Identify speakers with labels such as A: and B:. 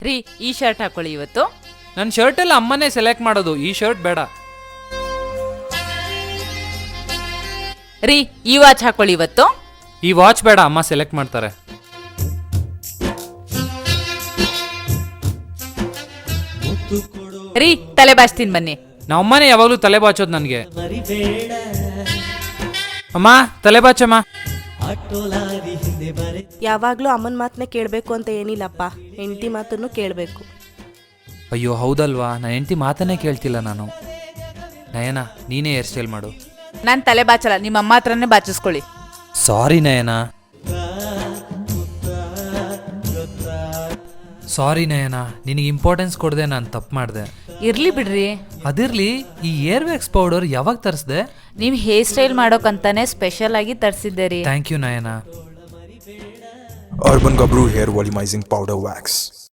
A: ರೀ ಈ ಶರ್ಟ್ ಹಾಕೊಳ್ಳಿ ಇವತ್ತು.
B: ನನ್ನ ಶರ್ಟೆಲ್ಲ ಅಮ್ಮನೇ ಸೆಲೆಕ್ಟ್ ಮಾಡೋದು, ಈ ಶರ್ಟ್ ಬೇಡ.
A: ರೀ ಈ ವಾಚ್ ಹಾಕೊಳ್ಳಿ ಇವತ್ತು.
B: ಈ ವಾಚ್ ಬೇಡ, ಅಮ್ಮ ಸೆಲೆಕ್ಟ್ ಮಾಡ್ತಾರೆ.
A: ರೀ ತಲೆ ಬಾಚ್ತೀನಿ ಬನ್ನಿ.
B: ನಮ್ಮನೆ ಯಾವಾಗಲೂ ತಲೆ ಬಾಚೋದು ನನಗೆ. ಅಮ್ಮ ತಲೆ ಬಾಚಮ್ಮ.
C: ಯಾವಾಗ್ಲೂ ಅಮ್ಮನ ಮಾತನ್ನೇ ಕೇಳಬೇಕು ಅಂತ ಏನಿಲ್ಲಪ್ಪ, ಹೆಂಡತಿ ಮಾತನ್ನು ಕೇಳಬೇಕು.
B: ಅಯ್ಯೋ ಹೌದಲ್ವಾ, ನನ್ನ ಹೆಂಡತಿ ಮಾತನ್ನೇ ಕೇಳ್ತಿಲ್ಲ ನಾನು. ನಯನ ನೀನೇ ಹೇರ್ ಸ್ಟೈಲ್ ಮಾಡು.
A: ನಾನು ತಲೆ ಬಾಚಲ್ಲ, ನಿಮ್ಮ ಅಮ್ಮ ಹತ್ರನೇ ಬಾಚಿಸ್ಕೊಳ್ಳಿ.
B: ಸಾರಿ ನಯನ. ಸಾರಿ ನಯನ, ನಿನಗೆ ಇಂಪಾರ್ಟೆನ್ಸ್ ಕೊಡದೆ ನಾನು ತಪ್ಪು ಮಾಡಿದೆ.
A: ಇರ್ಲಿ ಬಿಡ್ರಿ.
B: ಅದಿರ್ಲಿ, ಈ ಏರ್ ವ್ಯಾಕ್ಸ್ ಪೌಡರ್ ಯಾವಾಗ ತರಿಸ್ದೆ?
A: ನೀವು ಹೇರ್ ಸ್ಟೈಲ್ ಮಾಡೋಕಂತಾನೆ ಸ್ಪೆಷಲ್ ಆಗಿ ತರಿಸಿದ್ದೆ ರೀ.
B: Thank you Nayana.
D: Urban Gabru Hair Volumizing Powder Wax.